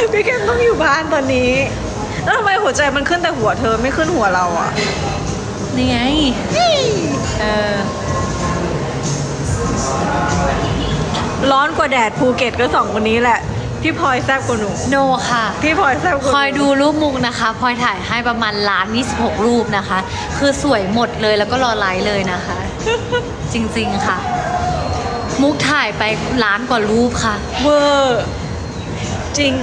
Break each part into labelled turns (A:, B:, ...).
A: พี่เข้มต้องอยู่บ้านตอนนี้ แล้วทำไมหัวใจมันขึ้นแต่หัวเธอไม่ขึ้นหัวเราอ่ะ
B: นี่ไง
A: ร้อนกว่าแดดภูเก็ตก็2คนนี้แหละ พี่พลอยแซ่บกว่าหนู
B: โนค่ะ
A: พี่พลอยแซ่บกว่าหนู
B: คอยดูรูปมุกนะคะพลอยถ่ายให้ประมาณ1,026,000 รูปนะคะ คือสวยหมดเลยแล้วก็รอไลค์เลยนะคะ จริงๆค่ะ มุกถ่ายไป1,000,000 กว่ารูปค่ะ
A: เวอร์จริง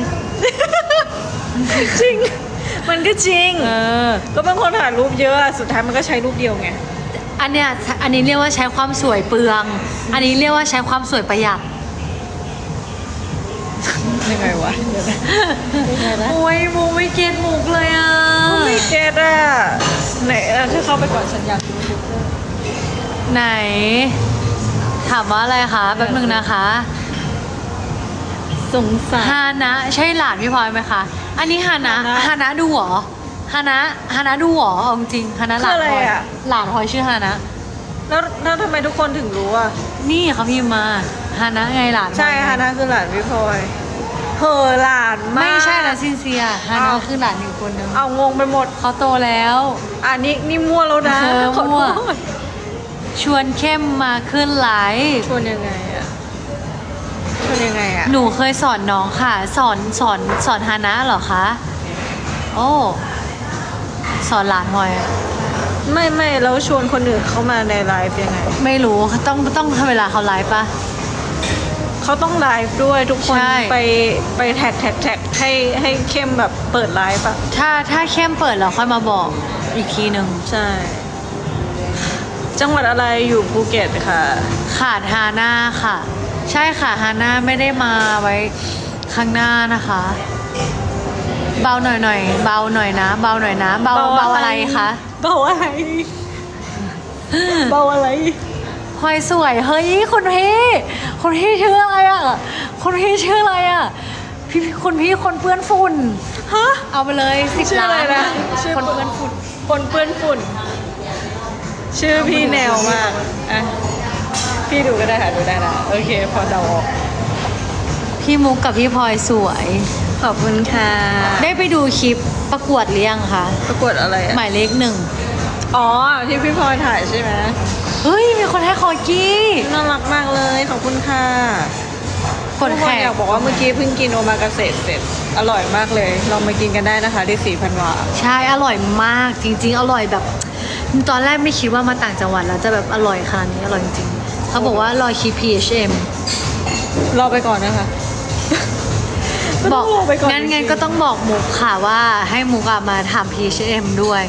A: จริง มันก็จริง ก็เป็นคนถ่ายรูปเยอะสุดท้ายมันก็ใช้รูปเดียวไง
B: อันนี้เรียกว่าใช้ความสวยเปลือง อันนี้เรียกว่าใช้ความสวยประหยัด
A: ยังไงวะเดี๋ยวนะยังไงนะ
B: โอ้ยมุกไม่เก็ตมุกเลยอ่ะ
A: ไม่เก็ตอ่ะไหนเธอเข้าไปก่อนฉันอยากดู
B: ไหน ถามว่าอะไรคะแป๊บนึงนะคะ
A: สงสาร
B: ฮานะใช่หลานพี่พลอยไหมคะ อันนี้ฮานะ
A: ฮานะ
B: ฮานะดูเหรอฮานะดูเหรอเอาจริงฮานะหลาน
A: คืออะไร
B: พลอย
A: อะ
B: หลานพลอยชื่อฮานะ
A: แล้วทำไมทุกคนถึงรู้อ่ะ
B: นี่เขาพิมพ์มาฮานะไงหลานพลอย
A: ใช่ฮานะคือหลานพี่พลอยเหอะหลานมาก
B: ไม่ใช่นะซินเซียฮานะ
A: อ้าว
B: คือหลานอยู่คนนึง
A: เอางงไปหมด
B: เขาโตแล้ว
A: อันนี้นี่มั่วแล้วนะ
B: มั่ว
A: ขอโทษ
B: ชวนเข้มมาขึ้นไลฟ์
A: ชวนยังไงอ่ะชวนยังไงอ่ะ
B: หนูเคยสอนน้องค่ะ สอนฮานะเหรอคะ โอ้ สอนหลานพลอยอะ
A: ไม่แล้วชวนคนอื่นเข้ามาในไลฟ์ยังไง
B: ไม่รู้ต้องทำเวลาเขาไลฟ์ปะ
A: เขาต้องไลฟ์ด้วยทุกคน
B: ใช่
A: ไปแท็กให้เข้มแบบเปิดไลฟ์อ่ะ
B: ถ้าเข้มเปิดแล้วค่อยมาบอกอีกทีหนึ่ง
A: ใช่ จังหวัดอะไรอยู่ภูเก็ตค่ะ
B: ขาดฮาน่าค่ะ ใช่ค่ะฮาน่าไม่ได้มาไว้ข้างหน้านะคะ เบาหน่อยเบาหน่อยนะ เบาหน่อยนะ เบาอะไรคะ
A: เบาอะไร เบาอะไร
B: พลอยสวยเฮ้ยคุณพี่ชื่ออะไรอ่ะคุณพี่ชื่ออะไรอ่ะคุณพี่คนเปื้อนฝุ่น
A: ฮะ
B: เอาไปเลย10
A: ชื่อ
B: ล้า
A: อะไร
B: น
A: นะชื่อ
B: คนเปื้อนฝุ่น
A: คนเปื้อนฝุ่น ชื่อพี่แนวมากอ่ะพี่ดูก็ได้ค่ะดูได้นะโอเคพอเดาออก
B: พี่มุกกับพี่พลอยสวย
A: ขอบคุณค่ะ
B: ได้ไปดูคลิปประกวดหรือยังคะ
A: ประกวดอะไรอ่ะ
B: หมายเลข 1
A: อ๋อที่พี่พลอยถ่ายใช่ไหม
B: เฮ้ย มีคนให้คอกี้
A: น่ารักมากเลยขอบคุณค่ะ
B: กด
A: ทุกค
B: แข
A: น
B: ก
A: อยากบอกว่าเมื่อกี้เพิ่งกินโอมากาเสะเสร็จอร่อยมากเลยลองมากินกันได้นะคะที่4,000 วา
B: ใช่อร่อยมากจริง ๆ อร่อยแบบ ตอนแรกไม่คิดว่ามาต่างจังหวัดแล้วจะแบบอร่อยขนาดนี้อร่อยจริงๆเขาบอกว่ารอคลิป PHM
A: รอไปก่อนนะคะ
B: บอก
A: รอไปก่อน
B: งั้น
A: จริงๆ
B: ก็ต้องบอกมุกค่ะว่าให้มุกอะมาทำ PHM ด้วย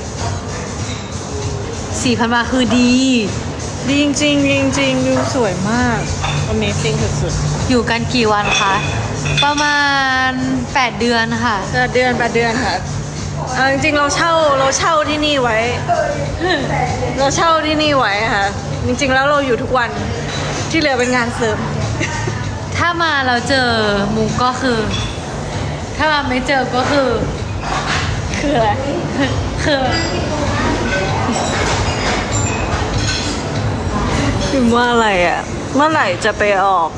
B: 4,000 บาทคือดี
A: ดีจริงๆจริงๆดูสวยมาก Amazing สุด
B: อยู่กันกี่วันคะ ประมาณ 8 เดือนค่ะ
A: ๆ8 เดือนค่ะเอาจริงๆเราเช่าที่นี่ไว้ เราเช่าที่นี่ไว้ค่ะ จริงๆแล้วเราอยู่ทุกวันที่เหลือเป็นงานเสริม
B: ถ้ามาเราเจอมุกก็คือ ถ้ามาไม่เจอก็คือ
A: คืออะไร
B: คือ
A: พิมพ์ว่าอะไรอ่ะ เมื่อไหร่จะไปออก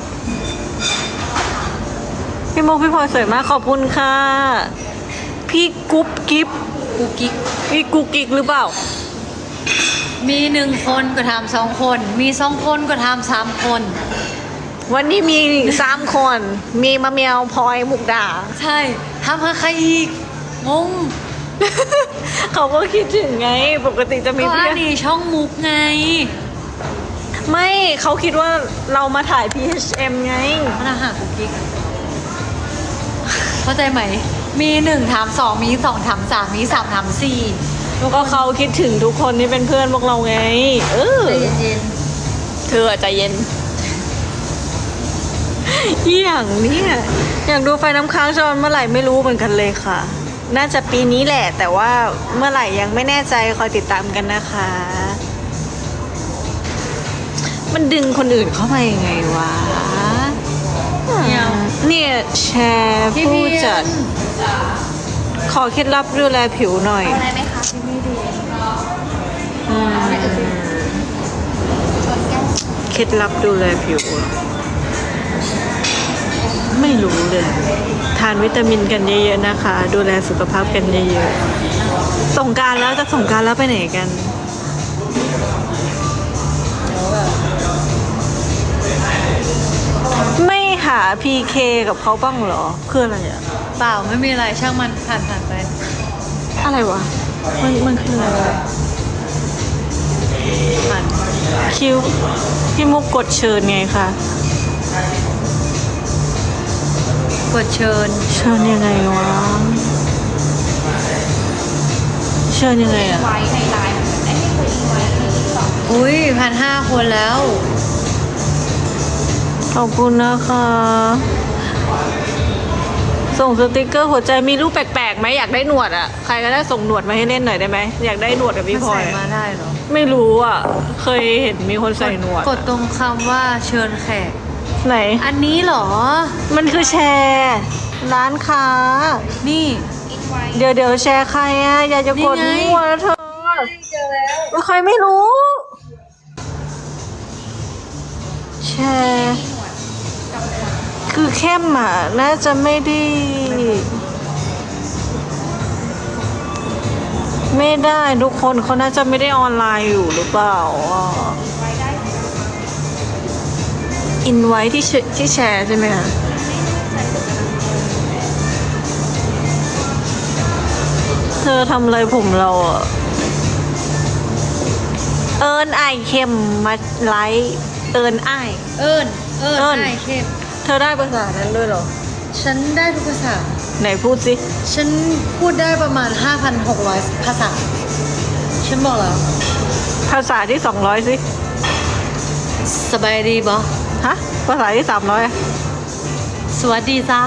A: พี่โมกพี่พลอยสวยมากขอบคุณค่ะ พี่กุ๊บกิ๊บ
B: กุ๊กกิ๊ก
A: พี่กุ๊กกิ๊กหรือเปล่า
B: มี1 คนก็ทำ2 คน มี2 คนก็ทำ3 คน
A: วันนี้มี3 คน มีมะเมียวพลอยมุกดา
B: ใช่ทำให้ใครอีก งง
A: เขาก็คิดถึงไง ปกติจะมี
B: ก็
A: เพื่
B: อั
A: อน น
B: นี้ช่องมุกไง
A: ไม่เขาคิดว่าเรามาถ่าย PHM ไง
B: มันอาหารกุ๊กกิ๊กเข้าใจไหม มี1 ถาม 2 มี2 ถาม 3 มี 3 ถาม 4
A: ก็เขาคิดถึงทุกคนที่เป็นเพื่อนพวกเราไง เออ
B: ใจเย็น
A: เธอใจเย็นอย่างเนี้ยอยากดูไฟน้ำค้างจอนเมื่อไหร่ไม่รู้เหมือนกันเลยค่ะ น่าจะปีนี้แหละ แต่ว่าเมื่อไหร่ยังไม่แน่ใจคอยติดตามกันนะคะ มันดึงคนอื่นเข้ามายังไงวะ เนี่ยแชร์
B: ๆพี่
A: ผู้
B: พี่
A: จัด ขอเคล็ดลับดูแลผิวหน่อย
B: อะไรไหมคะพี่ไม่ดี
A: เคล็ดลับดูแลผิวเหรอไม่รู้เลย ทานวิตามินกันเยอะๆนะคะ ดูแลสุขภาพกันเยอะๆสงกรานต์แล้วจะสงกรานต์แล้วไปไหนกัน ไม่หา PK กับเขาบ้างเหรอคืออะไรอะ
B: เปล่าไม่มีอะไรช่างมันผ่านไป
A: อะไรวะ มันคืออะไรวะ
B: ผ่าน
A: คิวพี่มุกกดเชิญไงคะ
B: กดเชิญ
A: เชิญยังไงวะ เชิญยังไงอะ
C: ไว้ในไลน์ไอ้นี่คุยไว้ในติ๊กต็อก
B: อุ้ย1,500 คนแล้ว
A: ขอบคุณนะคะ ส่งสติกเกอร์หัวใจมีรูปแปลกๆไหมอยากได้หนวดอะใครก็ได้ส่งหนวดมาให้เล่นหน่อยได้ไหมอยากได้หนวดกับพี่
B: มัน
A: พลอ
B: ใส่
A: ย
B: มาได้เหรอ
A: ไม่รู้อะเคยเห็นมีคนใส่หนวด
B: กดตรงคำว่าเชิญแขก
A: ไหน
B: อันนี้เหรอ
A: มันคือแชร์ ร้านค้า
B: นี่
A: เดี๋ยวแชร์ใครอะอยากจะกด
B: นี่ไง
A: มั่วนะเธอ
C: เจอแล้ว
A: ใครไม่รู้ แชร์ คือเข้มอ่ะ น่าจะไม่ได้ ไม่ได้ทุกคนเขาน่าจะไม่ได้ออนไลน์อยู่หรือเปล่าอินไว้ที่แชร์ใช่ไหมคะเธอทำอะไรผมเราอ่ะ เอิญไอเข้มมาไลฟ์เอิญไอ
B: เอิญ
A: เอิ้น
B: ไอเข้ม
A: เธอได้ภาษานั้นด้วยเหรอ
B: ฉันได้ทุกภาษา
A: ไหนพูดสิ
B: ฉันพูดได้ประมาณ 5,600 ภาษา ฉันบอกแล้ว
A: ภาษาที่200สิ
B: สบายดีบอ
A: ฮะ ภาษาที่300อะ
B: สวัสดีเจ้า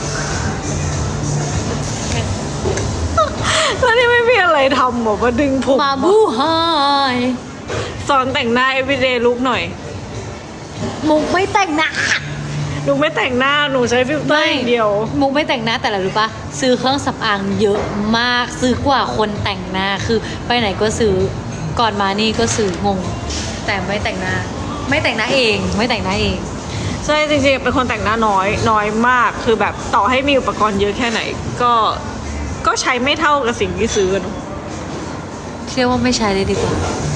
A: แล้วนี่ไม่มีอะไรทำหรอมาดึงผม
B: มาบูไฮ
A: สอนแต่งหน้า everyday look หน่อย
B: มุกไม่แต่งหน้า
A: หนูไม่แต่งหน้า หนูใช้ฟิลเตอร์อย่างเดียว
B: มุกไม่แต่งหน้าแต่ละรู้ปะซื้อเครื่องสำอางเยอะมากซื้อกว่าคนแต่งหน้าคือไปไหนก็ซื้อก่อนมานี่ก็ซื้องง แต่ไม่แต่งหน้า ไม่แต่งหน้าเองไม่แต่งหน้าเอง
A: ใช่จริงๆเป็นคนแต่งหน้าน้อยมาก คือแบบต่อให้มีอุปกรณ์เยอะแค่ไหน ก็ใช้ไม่เท่ากับสิ่งที่ซื้อเนอะ
B: เชื่อว่าไม่ใช้เลยดีกว่า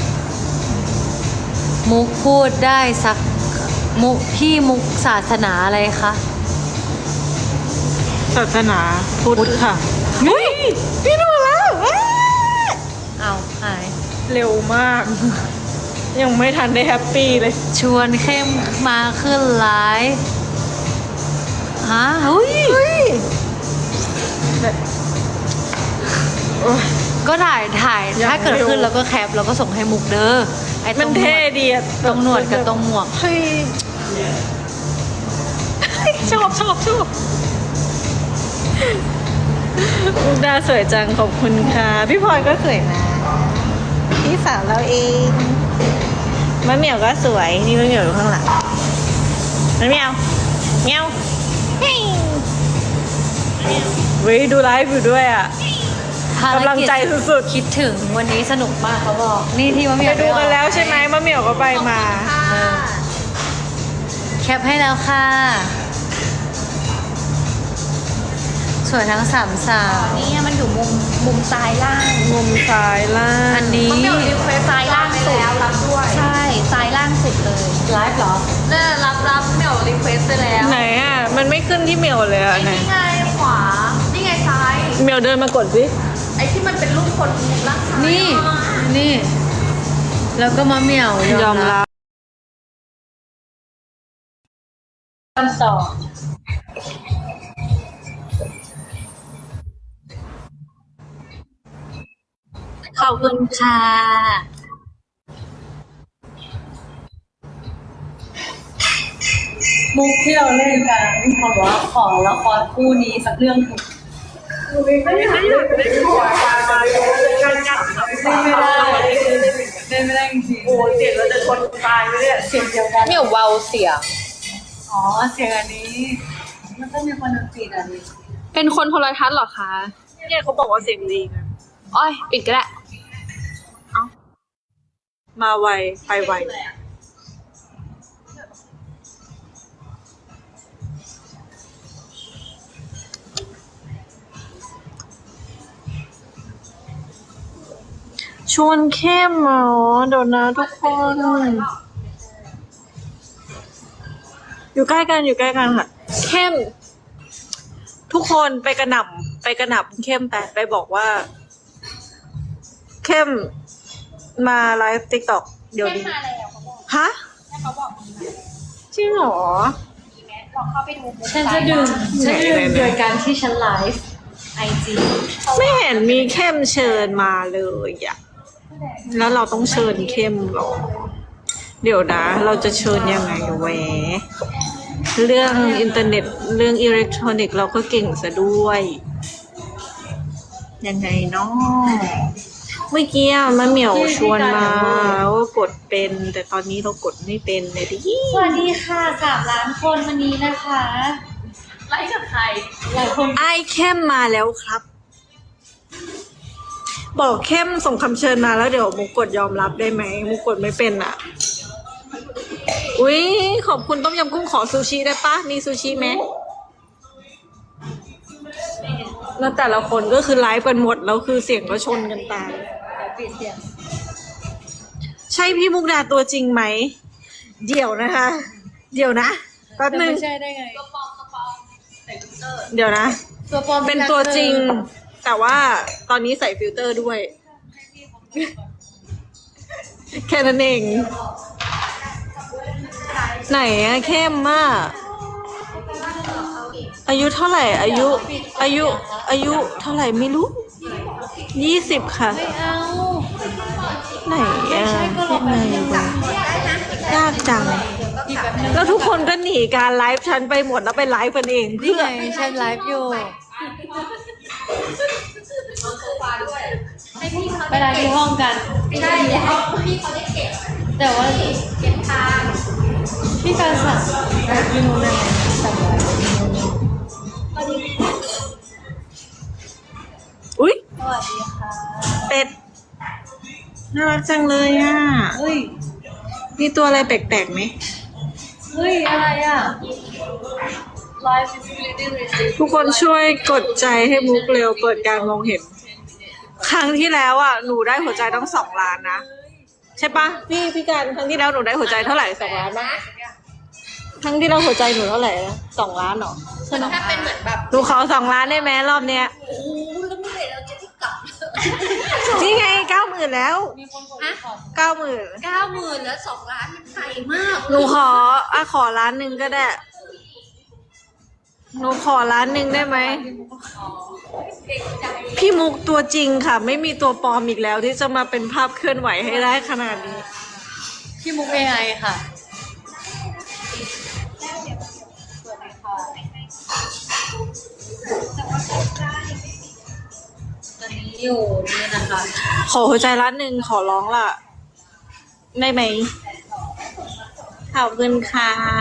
B: มุกพูดได้สักมุกพี่มุกศาสนาอะไรคะ
A: ศาสนาพุทธค่ะเฮ้ยพี่ดูแล้วเอ้ย
B: เอาหาย
A: เร็วมาก ยังไม่ทันได้แฮปปี้เลย
B: ชวนเข้มมาขึ้นไลฟ์ฮะอุ้ย
A: เฮ้ยโอ๊ย
B: ก็ถ่าย
A: ยัง
B: ถ้าเกิด
A: เร็ว
B: ขึ้นแล้วก็แคปแล้วก็ส่งให้มุกเด้อไอ้ต
A: มั
B: ร
A: น
B: งหน
A: เท่
B: วด
A: ดีอะ
B: ตรงหนวดกับตรงหมวก
A: เฮ้ยชอบมุกดาสวยจังขอบคุณค่ะ พี่พลอยก็สวยนะ พี่สาวเราเองมะเหมียวก็สวย นี่มะเหมียวอยู่ข้างหลังมะเหมียวเหมียวเฮ้ยเว้ยดูไลฟ์อยู่ด้วยอ่ะ
B: ภาร
A: กำลังใจสุด
B: คิดถึงวันนี้สนุกมากเขาบอก นี่ที่มะเห
A: ๆ
B: มี
A: ไป
B: ยว
A: ดูกันแล้วใช่ไหมมะเหมียวก็ไปมา
B: แคปให้แล้วค่ะ สวยทั้งสามสาว
C: นี่มันอยู่มุมซ้ายล่าง
A: มุมซ้ายล่าง
B: อันนี้
C: มันมีรีเควสซ้ายล่างสุดรับด้วย ใช่ซ้ายล่างสุดเลย
B: ไลฟ์เหรอ
C: น่ารับเหมียวรีเควสไปแล้ว
A: ไหนอ่ะ มันไม่ขึ้นที่เหมียวเลยอ่ะไหน
C: นี่ไงขวา นี่ไงซ้าย
A: เหมียวเดินมากดสิ
C: ไอ้ที่มันเป็นรูปคนมุมล่างซ้าย
B: นี่ แล้วก็มะเหมี่ยวย
A: อมรับ
B: กันต่อขอบคุณค่ะ มุกที่เราเล่นกันเขาบอกว่าขอละครคู่นี้สักเรื่องเถอะไม่ได้จริงๆ
A: โอ้เสียงเราจะชนตายไปเนี่ย
B: เสียงเดียวกัน
C: เหมียวเบาเสียง
B: อ๋อเสียงอันนี้ มันต้องมีคนดนตรีอันนี้
C: เป็นคนโทรทัศน์เหรอคะ
A: เนี่ยเขาบอกว่าเสียงดีนะ
C: อ้อยปิดก็ได้
A: มาไวไปไว
B: ฟ
A: ชวนเข้มเหรอเดี๋ยวนะทุกคน อยู่ใกล้กันอยู่ใกล้กันค่ะ เข้ม ทุกคนไปกระหน่ำเข้มไปบอกว่า เข้มมาไลฟ์ติ๊กต็อกเดี๋ยว
C: เข้ม
A: นี้
C: มาแล้วเขาบอก
A: ฮะ
C: ให้เขาบอกมี
A: จริงเหรอ
C: แม้ลองเข้าไปดู
B: ฉันจะดื่มโดยการที่ฉันไลฟ์ไอจี
A: ไม่เห็นมีเข้มเชิญมาเลยอะแล้วเราต้องเชิญเข้มเหรอ เดี๋ยวนะ เราจะเชิญยังไงแหวะเรื่องอินเทอร์เน็ตเรื่องอิเล็กทรอนิกส์เราก็เก่งซะด้วย ยังไงเนาะเมื่อกี้มะเหมี่ยวชวนมาว่ากดเป็น แต่ตอนนี้เรากดไม่เป็นเลยดิ
B: สวัสดีค่ะ3 ล้านคนวันนี้นะคะ
C: ไลฟ์กับใคร
B: หลายคน
A: ไอ้เข้มมาแล้วครับ บอกเข้มส่งคำเชิญมาแล้วเดี๋ยวมุกกดยอมรับได้ไหมมุกกดไม่เป็นอ่ะ อุ๊ยขอบคุณต้มยำกุ้งขอซูชิได้ปะมีซูชิไหมแล้วแต่ละคนก็คือไลฟ์กันหมดแล้วคือเสียงก็ชนกันตาย
B: ปิดเสียง
A: ใช่พี่มุกดาตัวจริงไหม เดี๋ยวนะคะ เดี๋ยวนะแป๊บ
B: จะ
A: นึง
B: ไม่ใช่ได้ไง
C: ตัวปลอมใส่ฟิลเตอร์
A: เดี๋ยวนะ
B: ตัวปลอม
A: เป็นตัวจริง แต่ว่าตอนนี้ใส่ฟิลเตอร์ด้วย แค่นั้นเอง ไหนอะเข้มมากอายุเท่าไหร่ อายุเท่าไหร่ไม่รู้20ค่ะ
B: ไม่เอา
A: ไหนอะ
B: ก็ลอง
A: ไหน
B: ไป
A: วะยากจัง
B: อีกแบบนึง
A: แล้วทุกคนก็หนีการไลฟ์ฉันไปหมดแล้วไปไลฟ์กันเอง
B: นี่
A: เพื่อ
B: ไงฉันไลฟ์อยู่
C: ให้พี่เขา
B: ไปไลฟ์ที่ห้องกัน
C: ใช่แล้วพี่เขาได้เก็บ
B: แต่ว่า
C: เก็บทาง
B: พี่การสั่งไลฟ์ที่นู้นได้ไหมสั่งไลฟ์
A: อุ๊ย
B: สวัสดีค่ะ
A: เป็ด น่ารักจังเลยอ่ะ
B: เฮ้ย
A: มีตัวอะไรแปลกๆไหม
B: เฮ้ย อะไรอ่ะ Live visibility restrict
A: ทุกคนช่วยกดใจให้มุกเร็วเปิดการมองเห็น ครั้งที่แล้วอ่ะหนูได้หัวใจต้อง2 ล้านนะ ใช่ปะพี่การครั้งที่แล้วหนูได้หัวใจเท่าไหร่2 ล้านปะครั้งที่เราหัวใจหนูเท่าไหร่นะ2 ล้านเหรอ
C: ถ้าเป็นเหมือนแบบ
A: หนูขอ2 ล้านได้ไหมรอบเนี้ย
C: โอ้โหแล้วเมื่อไหร่เราจะได้กลับ
A: นี่ไง90,000แล้ว
B: มีคนกด
C: ฮะ
B: ขอ
A: 90,000
C: 90,000แล้ว2 ล้านมันไกลมาก
A: หนูขอ1 ล้านก็ได้ หนูขอ1 ล้านได้ไหม พี่มุกตัวจริงค่ะ ไม่มีตัวปลอมอีกแล้วที่จะมาเป็นภาพเคลื่อนไหวให้ได้ขนาดนี้
B: พี่มุก AI ค่ะ ตอนนี้อยู่นี่นะคะ
A: ขอหัวใจ1 ล้านขอร้องล่ะ ได้ไหมขอบคุณค่ะ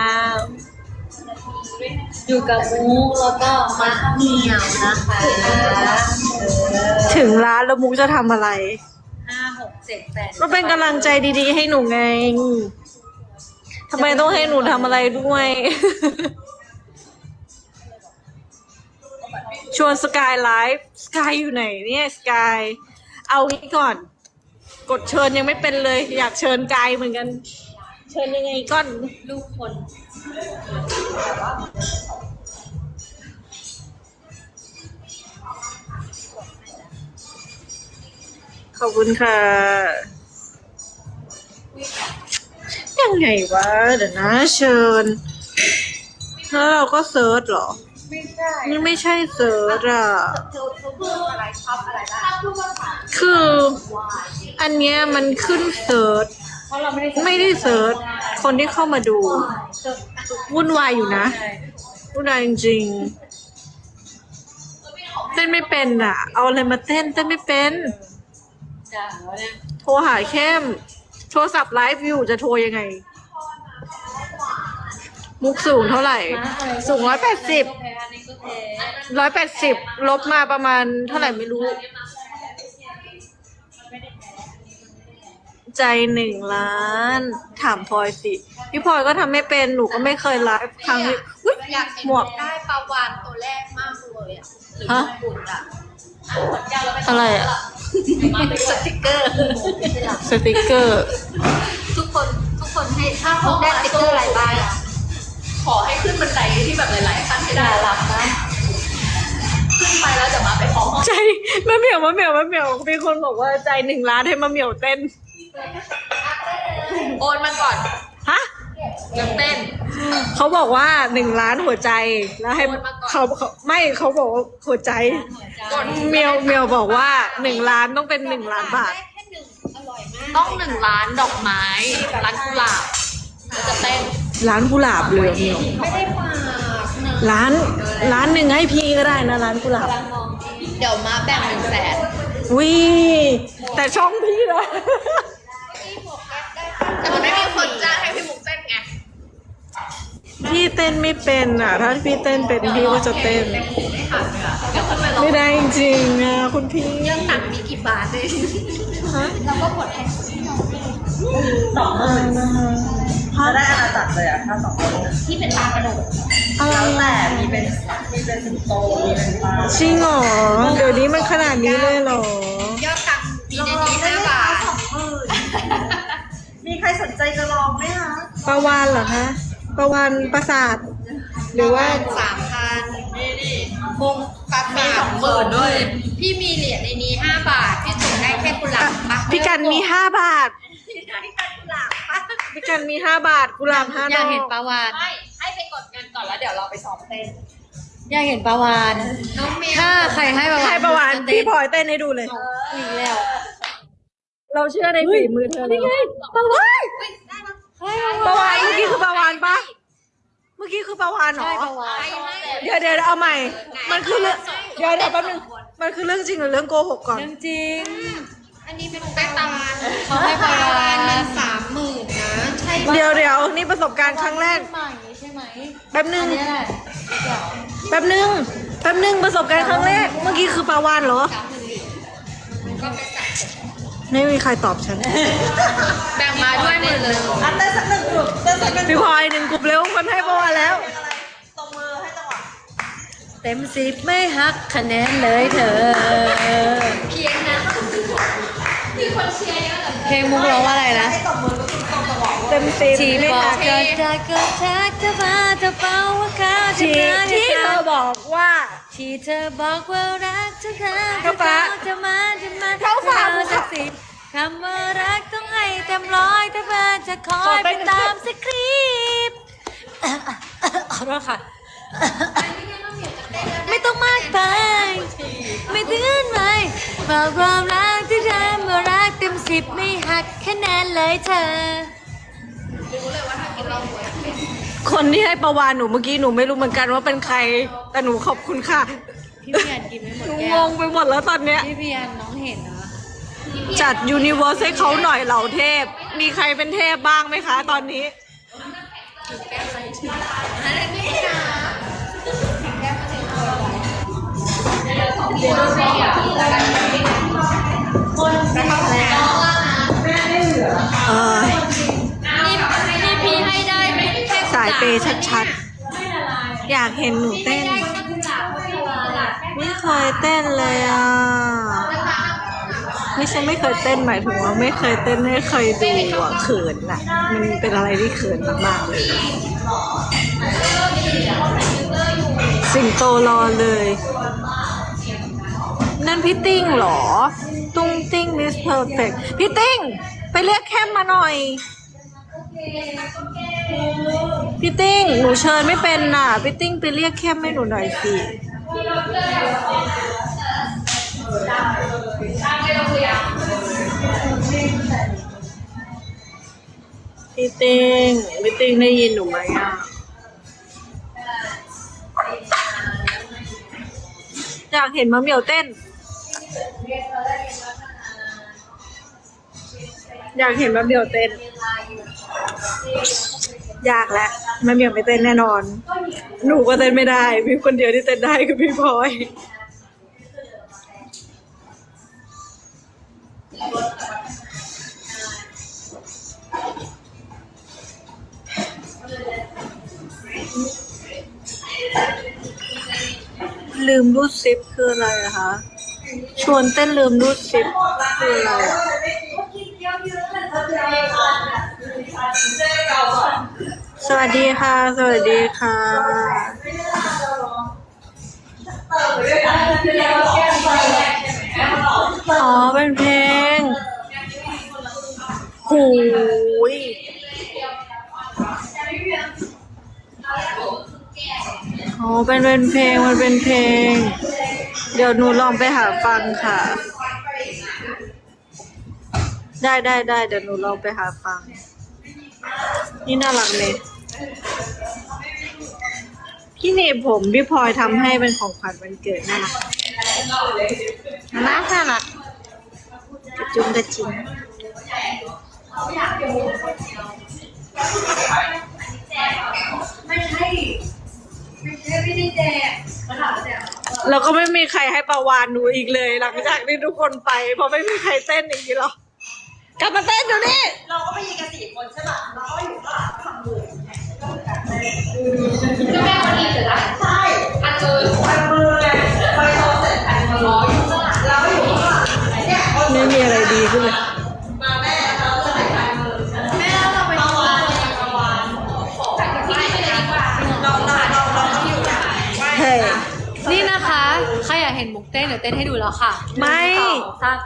B: อยู่กับมุกแล้วก็มะเหมี่ยวนะคะ
A: ถึงร้านแล้วมุกจะทำอะไร
B: 5 6 7 8
A: ก็เป็นกำลังใจดีๆให้หนูไงทำไมต้องให้หนูทำอะไรด้วย ชวนสกายไลฟ์สกายอยู่ไหนเนี่ยสกายเอางี้ก่อน กดเชิญยังไม่เป็นเลย อยากเชิญกายเหมือนกัน เชิญยังไงก่อน
B: ลูกคน
A: ขอบคุณค่ะ ยังไงวะ เดี๋ยวนะเชิญ แล้วเราก็เซิร์ชเหรอ
B: ไม่ใช่
A: นี่ไม่ใช่เซิร์ชอ่ะ
C: เธอเพิ่มอะไรชอบอะไรบ้างพูดว่าค่ะ
A: คืออันเนี้ยมันขึ้นเซิร์ช
B: เพราะเราไม่ได้
A: ไม่ได้เซิร์ช คนที่เข้ามาดู วุ่นวายอยู่นะ วุ่นวายจริงๆเต้นไม่เป็นอ่ะ เอาอะไรมาเต้นไม่เป็น
B: จ้าเนี่ย
A: โทรหาเข้ม โทรศัพท์ไลฟ์อยู่จะโทรยังไง มุกสูงเท่าไหร่ สูง180
B: อันนี้ก็แพ้
A: 180 ลบมาประมาณเท่าไหร่ไม่รู้ ใจ1 ล้าน ถามพลอยสิ พี่พลอยก็ทำไม่เป็น หนูก็ไม่เคยไลฟ์ครั้งนี้อุ๊ย
C: อยากเห็น
A: หมวก
C: ได้ปลาวานตัวแรกมากเลยอ่ะหรือ
A: ฮะ
C: ญี่ปุ่นอ่ะ
A: อะไรอ่ะ
C: สติกเกอร์
A: สติกเกอร์
C: ทุกคนให้ถ้าเขาได้สติกเกอร์อะไรบ้าง
D: ขอให้ขึ้นบันไดที่แบบหลายๆขั้นให้ได้
C: น่ารักนะ
D: ขึ้นไปแล้วจะมาไปขอห้อง
A: ใจมะเหมียวมีคนบอกว่าใจ1 ล้านให้มะเหมียวเต้น
D: โอนมาก่อน
A: ฮะ
D: ยังเต้น
A: เขาบอกว่า1 ล้านหัวใจแล้วให้
D: โอนมาก่อน
A: เขาไม่เขาบอกว่าหัวใจ
D: ก่อน
A: เมียวบอกว่า1 ล้านต้องเป็น1 ล้านบาท
D: ต้อง1 ล้านดอกไม้ร้านกุหลาบแล้วจะเต้น
A: ร้านกุหลาบเลยเมียว
C: ไม่ได้ฝาก
A: ร้านหนึ่งให้พี่ก็ได้นะร้านกุหลาบ
C: เดี๋ยวมาแบ่ง100,000
A: วิแต่ช่องพี่นะ
D: แต่มันไม่มีคนจ้างให้พี่มุกเต้นไง
A: พี่เต้นไม่เป็นอ่ะ ถ้าพี่เต้นเป็นพี่ก็จะเต้น
D: เดี๋ยวขึ้นไปลอง
A: ไม่ได้จริงๆอ่ะคุณพี่
C: เรื่องหนังมีกี่บาทเลย
A: ฮะ
C: เราก็กดแทน
E: ถ้าได้อาณาจักรเลยอะถ้า2 คน
C: ที่เป็นตากระโดด
A: อะไร
E: แล้วแต่
A: อ่ะ
E: มีเป็นสิงโตมีเป็นปลา
A: จริงเหรอเดี๋ยวนี้มันขนาดนี้เลยเหรอ
C: ยอดตังค์มีในนี้5 บาท
E: มีใครสนใจจะลองไหมคะ
A: ปลาวานเหรอคะปลาวานประสาท หรือว่า
C: 3,000
D: นี่
C: คงตัดมี
D: 20,000ด้วย
C: พี่มีเหรียญในนี้5 บาท พี่ส่งได้แค่กุหลาบปะ
A: พี่กันมี5 บาทพี่กันมี5 บาทกุหลาบ5
B: อยาก
A: ด
B: เห็น
A: อก
B: ปลาวาน
D: ไม่ให้ไปกดเงินก่อนแล้วเดี๋ยวเราไปซ้อมเต้น
B: อยากเห็นปลาวาน
C: น้องเมย์
B: ถ้าใครให้ปลาวาน
A: ให้ปลาวาน
B: จะเต้
A: พี่พลอยเต้นให้ดูเลย
B: อีกแล้ว
A: เราเชื่อในฝีมือเธอเลยปลาวานปลาวานเมื่อกี้คือปลาวานปะเมื่อกี้คือปลาวานเหรอ
B: ใช่ปลาวาน
A: เดี๋ยวเอาใหม่ มันคือเรื่องเดี๋ยวแป๊บนึงมันคือเรื่องจริงหรือเรื่องโกหกก่อน
B: เรื่องจริง
C: อันนี้เป็นแป้งตาล
B: เขาให้ปลาวาน
C: มัน30,000นะใช่
A: เดี๋ยวนี่ประสบการณ์ครั้งแรก
B: ใหม่ใช่ไหม
A: แป๊บนึ
B: อั
A: ง
B: นนี้แหละ
A: แป๊บนึงประสบการณ์ครั้งแรก เมื่อกี้คือปลาวานเหรอ ไม่มีใครตอบฉัน
D: แบ่งมาด้วยหมดเลย
E: อันเต้นสัก1 กลุ่มเต้นสัก1
A: พี่พลอย1 กลุ่มเร็วคนให้ปลาวานแล้ว
E: ตบมือให้จังหวะ
B: เต็ม10ไม่หักคะแนนเลยเธอ
C: เพียงนะ
B: เพลงมุกร้องว่าอะไรนะ
E: ให้ตบมือก็คือตรงจังหวะ
A: เต็มสิบ
B: ที่
A: ไม่
B: บอก
A: หัก
B: ก็จะก็ทักจะมาจะเป่าว่าเขาจะ
A: ที่
B: มา
A: ที่เธอบอกว่า
B: ที่เธอบอกว่ารักจะค่ะ
A: เข้าฟ้า
B: จะมา
A: เข้าฟ้า
B: สักสิบคำว่ารักต้องให้เต็มร้อยแต่เพื่อจะคอ
A: ขอย ไป
B: ไปตามสคริปต์ขอโทษค่ะ ไม่ต้องมากไป ไม่ตื่นไหมบอกความรักที่ทำว่ารักเต็ม10ไม่หักคะแนนเลยเธอ
A: คนที่ให้ประวานหนูเมื่อกี้หนูไม่รู้เหมือนกันว่าเป็นใคร แต่หนูขอบคุณค่ะ
B: พี่เพียนกินไม่หมด
A: หนู
B: แก้
A: ง
B: ว
A: งไปหมดแล้วตอนเนี้ย
B: พี่เพียนน้องเห็นนะ
A: จัดยูนิเวอร์สให้เขาหน่อยเหล่าเทพ มีใครเป็นเทพบ้างไหมคะตอนนี้ เออ
C: นี่พี่ให้ได้แค่
A: สายเปย์ชัดๆ อยากเห็นหนูเต้น ไม่เคยเต้นเลยอ่ะ ไม่ใช่ไม่เคยเต้นหมายถึงว่าไม่เคยเต้นให้เคยดูอ่ะเขินอ่ะ มันเป็นอะไรที่เขินมากๆเลย สิงโตรอเลย นั่นพี่ติ้งเหรอ ตุ้งติ้งมิสเพอร์เฟกพี่ติ้ง ไปเรียกแคมมาหน่อย พี่ติ้ง หนูเชิญไม่เป็นน่ะ พี่ติ้งไปเรียกแคมให้หนูหน่อยสิ พี่ติ้งได้ยินหนูไหมอ่ะ อยากเห็นมะเหมี่ยวเต้น อยากเห็นมะเหมี่ยวเต้น อยากแล้วมะเหมี่ยวไม่เต้นแน่นอน หนูก็เต้นไม่ได้ มีคนเดียวที่เต้นได้คือพี่พลอย ลืมรูดซิปคืออะไรอะคะชวนเต้นลืมรูดซิปคืออะไรอะสวัสดีค่ะ สวัสดีค่ะ อ๋อ เป็นเพลงหูยอ๋อ เป็นเพลง มันเป็นเพลง เดี๋ยวหนูลองไปหาฟังค่ะ ได้ เดี๋ยวหนูลองไปหาฟัง นี่น่ารักเลย พี่เนบผมพี่พลอยทำให้เป็นของขวัญวันเกิดน่ารักน่ารักกระจุงกระจิงแล้วก็ไม่มีใครให้ประวานหนูอีกเลย หลังจากที่ทุกคนไปเพราะไม่มีใครเต้นอีกทีหรอกกลับมาเต้นเดี๋ยวนี้
E: เราก็ไปยิงกัน4 คนใช่ป่ะเราก็อยู่ข้างหลังทำมือ
D: ก็แม่คนนี้เสร็จแล้ว
E: ใช่
D: อันเกิน
E: พันมือไงไปโชว์เสร็จพันมืออยู่ข้างหลังเราก็อยู่ข้างหลังเนี่ย
A: ไม่มีอะไรดีขึ้นเลย
E: มาแม่เราจะไปพันมือ
D: แม่เราไปประวานแต่ที่นี่ไม่ได้ดีกว่า
E: เราต้องอยู่แบบ
A: เฮ้ย
B: นี่นะคะ ใครอยากเห็นมุกเต้นเดี๋ยวเต้นให้ดูแล้วค่ะ
A: ไม่
B: 1 2 3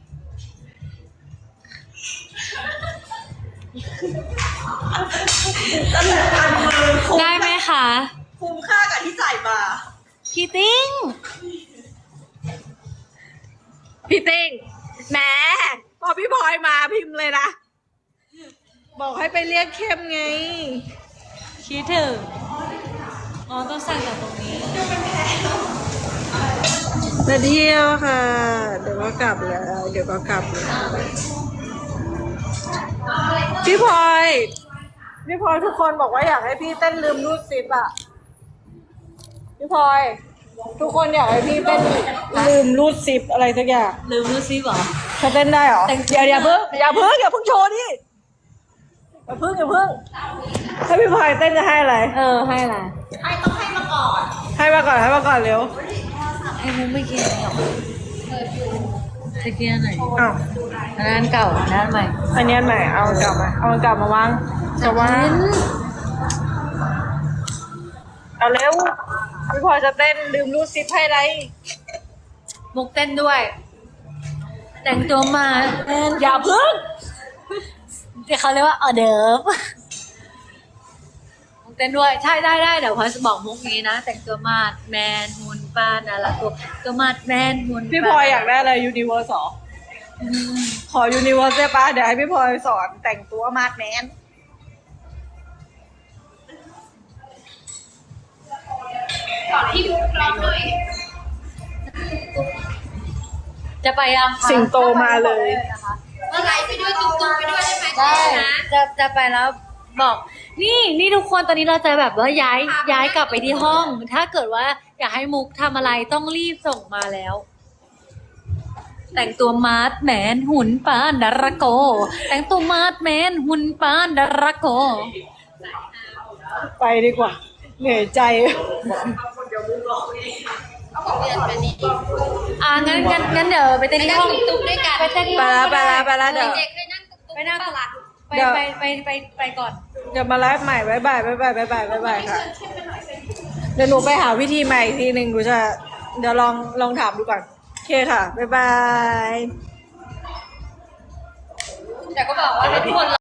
E: พันมือคุ้ม
B: ได้ไหมคะ
E: คุ้มค่ากับที่จ่ายมา
B: พี่ติ้ง
A: พี่ติ้งแหมพอพี่พลอยมาพิมพ์เลยนะ บอกให้ไปเรียกเข้มไง
B: คิดถึงอ๋อต้องสั่งจากตรงนี้
A: มาเที่ยวค่ะ เดี๋ยวก็กลับแล้ว พี่พลอยทุกคนบอกว่าอยากให้พี่เต้นลืมรูดซิปอ่ะ พี่พลอยทุกคนอยากให้พี่เต้นลืมรูดซิปอะไรสักอย่าง
B: ลืมรู้ซิเหรอ
A: เขาเต้นได้เหรออย่าเพิ่งโชว์ดิอย่าเพิ่งถ้าพี่พลอยเต้นจะให้อะไร
B: ให้อะไร
A: ให้มาก่อนเร็ว
B: ไอ้มุกไม่กินหรอกจะกินอันไหน
A: อ้าว
B: อันนั้นเก่าอันนั้นใหม่
A: อันนี้อันใหม่เอามันกลับมาวางจะวางเอาเร็วพี่พลอยจะเต้นลืมรูดซิปให้อะไร
B: มุกเต้นด้วย แต่งตัวมา
A: อย่าเพิ่ง
B: เดี๋ยวเขาเรียกว่าออเดิร์ฟมุกเต้นด้วยใช่ได้เดี๋ยวพลอยจะบอกมุกนี้นะ แต่งตัวมาดแมนหุ่นปานอะไรตัวมาดแมนหุ่น
A: พี่พลอยอยากได้อะไรยูนิเวอร์สขอยูนิเวอร์สได้ปะเดี๋ยวให้พี่พลอยสอนแต่งตัวมาดแมน
D: สอนที่ร้องหน่อย
B: จะไปยังคะ
A: สิงโตมาเลย
D: ว่าไลฟ์ไปด้วยตุ้มๆไปด้วยได้ไหม
B: ได้
D: นะ
B: จะไปแล้วบอก นี่ทุกคนตอนนี้เราจะแบบว่าย้ายกลับไปที่ห้อง ถ้าเกิดว่าอยากให้มุกทำอะไรต้องรีบส่งมาแล้ว แต่งตัวมาดแมนหุ่นปานดาราโก แต่งตัวมาดแมนหุ่นปานดาราโก
A: ไปดีกว่า เหนื่อยใจ
D: เอาของเรียนไปนี่
B: งั้นเดี๋ยวไปเต้นที่ห้อง
D: ตุ้มด้วยกัน
B: ไปเต้นที่
A: ไป
B: ห้อง
A: แล้วเดี๋ยว
D: เด็กเคยนั่งตุ้ม
B: ไปหน้า
D: ตลาด
B: ไปก่อน
A: เดี๋ยวมาไลฟ์ใหม่บ๊ายบายค่ะ เดี๋ยวหนูไปหาวิธีใหม่อีกทีหนึ่งเดี๋ยวลองถามดูก่อนโอเคค่ะบ๊ายบาย
B: แต่ก็บอกว่าให้ทุกคน